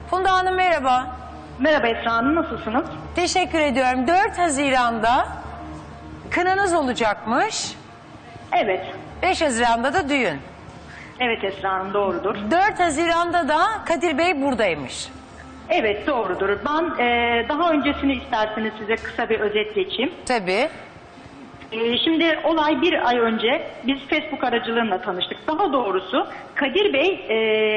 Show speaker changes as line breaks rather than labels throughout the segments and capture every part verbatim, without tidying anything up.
Funda Hanım merhaba.
Merhaba Esra Hanım, nasılsınız?
Teşekkür ediyorum. dört Haziran'da kınanız olacakmış.
Evet.
beş Haziran'da da düğün.
Evet Esra Hanım, doğrudur.
dört Haziran'da da Kadir Bey buradaymış.
Evet, doğrudur. Ben e, daha öncesini isterseniz size kısa bir özet geçeyim.
Tabii.
E, şimdi olay bir ay önce biz Facebook aracılığıyla tanıştık. Daha doğrusu Kadir Bey e,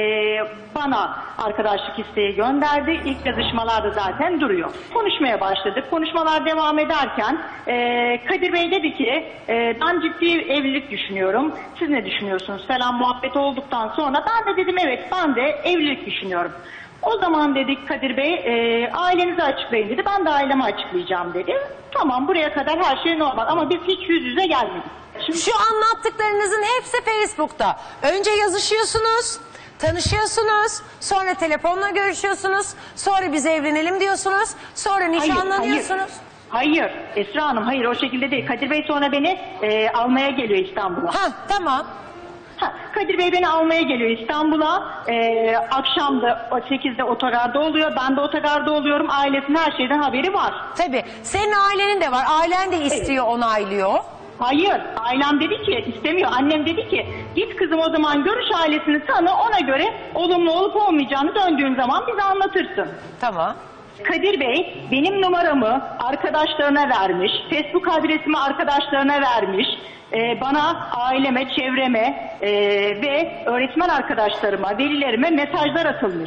bana arkadaşlık isteği gönderdi. İlk yazışmalarda zaten duruyor. Konuşmaya başladık. Konuşmalar devam ederken e, Kadir Bey dedi ki e, ben ciddi evlilik düşünüyorum. Siz ne düşünüyorsunuz falan muhabbet olduktan sonra ben de dedim evet ben de evlilik düşünüyorum. O zaman dedik Kadir Bey e, ailenizi açıklayın dedi. Ben de ailemi açıklayacağım dedi. Tamam, buraya kadar her şey normal ama biz hiç yüz yüze gelmedik. Şimdi...
Şu anlattıklarınızın hepsi Facebook'ta. Önce yazışıyorsunuz, tanışıyorsunuz, sonra telefonla görüşüyorsunuz, sonra biz evlenelim diyorsunuz, sonra nişanlanıyorsunuz.
Hayır, hayır. hayır Esra Hanım, hayır o şekilde değil. Kadir Bey sonra beni e, almaya geliyor İstanbul'a.
Ha, tamam.
Ha, Kadir Bey beni almaya geliyor İstanbul'a. Ee, akşam da sekizde otogarda oluyor. Ben de otogarda oluyorum. Ailesinin her şeyden haberi var.
Tabii. Senin ailenin de var. Ailen de istiyor, evet. Onaylıyor.
Hayır. Ailem dedi ki istemiyor. Annem dedi ki git kızım o zaman görüş ailesini tanı. Ona göre olumlu olup olmayacağını döndüğün zaman bize anlatırsın.
Tamam.
Kadir Bey benim numaramı arkadaşlarına vermiş. Facebook adresimi arkadaşlarına vermiş. Ee, bana, aileme, çevreme e, ve öğretmen arkadaşlarıma, velilerime mesajlar atılmış.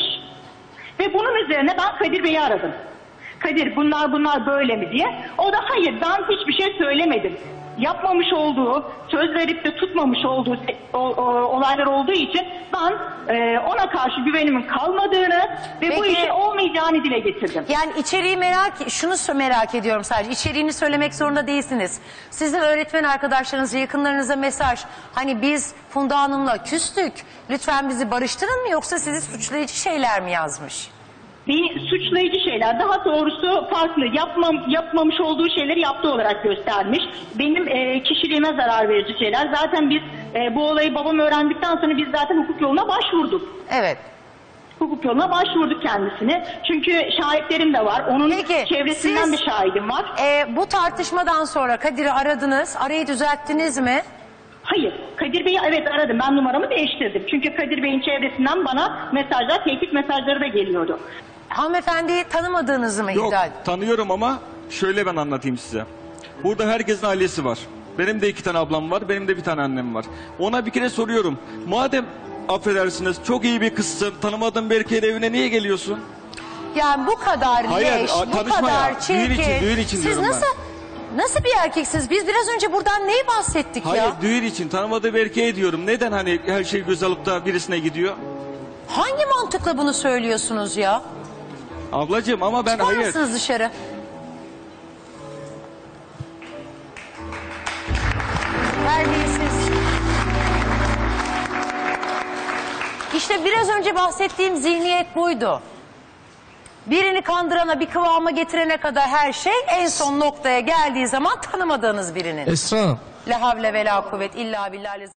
Ve bunun üzerine ben Kadir Bey'i aradım. Kadir bunlar bunlar böyle mi diye. O da hayır ben hiçbir şey söylemedim. Yapmamış olduğu, söz verip de tutmamış olduğu o, o, olaylar olduğu için ben e, ona karşı güvenimin kalmadığını ve
Peki,
bu işin olmayacağını dile getirdim.
Yani içeriği merak, şunu merak ediyorum sadece. İçeriğini söylemek zorunda değilsiniz. Sizin öğretmen arkadaşlarınıza, yakınlarınıza mesaj. Hani biz Funda Hanım'la küstük. Lütfen bizi barıştırın mı, yoksa sizi suçlayıcı şeyler mi yazmış?
Bir suçlayıcı şeyler, daha doğrusu farklı, yapmam, yapmamış olduğu şeyleri yaptığı olarak göstermiş. Benim e, kişiliğime zarar verici şeyler. Zaten biz e, bu olayı babam öğrendikten sonra biz zaten hukuk yoluna başvurduk.
Evet.
Hukuk yoluna başvurduk kendisini. Çünkü şahitlerim de var. Onun
Peki,
çevresinden
siz,
bir şahidim var.
E, bu tartışmadan sonra Kadir'i aradınız. Arayı düzelttiniz mi?
Hayır. Kadir Bey'i evet aradım. Ben numaramı değiştirdim. Çünkü Kadir Bey'in çevresinden bana mesajlar, tehdit mesajları da geliyordu.
Hanımefendiyi tanımadığınızı mı
Yok,
iddia ediyorsunuz?
tanıyorum ama şöyle ben anlatayım size. Burada herkesin ailesi var. Benim de iki tane ablam var, benim de bir tane annem var. Ona bir kere soruyorum. Madem affedersiniz çok iyi bir kızsın, tanımadığın bir erkeğin evine niye geliyorsun?
Yani bu kadar
Hayır,
leş,
a-
bu
tanışma
kadar
ya.
çirkin.
Düğün için, düğün için
Siz
diyorum ben.
nasıl, nasıl bir erkeksiniz? Biz biraz önce buradan neyi bahsettik
Hayır,
ya?
düğün için tanımadığı bir erkeğe diyorum. Neden hani her şey göz alıp da birisine gidiyor?
Hangi mantıkla bunu söylüyorsunuz ya?
Ablacığım ama ben
Çıkar
hayır.
mısınız dışarı? Terbiyesiz. İşte biraz önce bahsettiğim zihniyet buydu. Birini kandırana, bir kıvama getirene kadar her şey, en son noktaya geldiği zaman tanımadığınız birinin.
Esra Hanım.
La havle ve la kuvvet illa billah.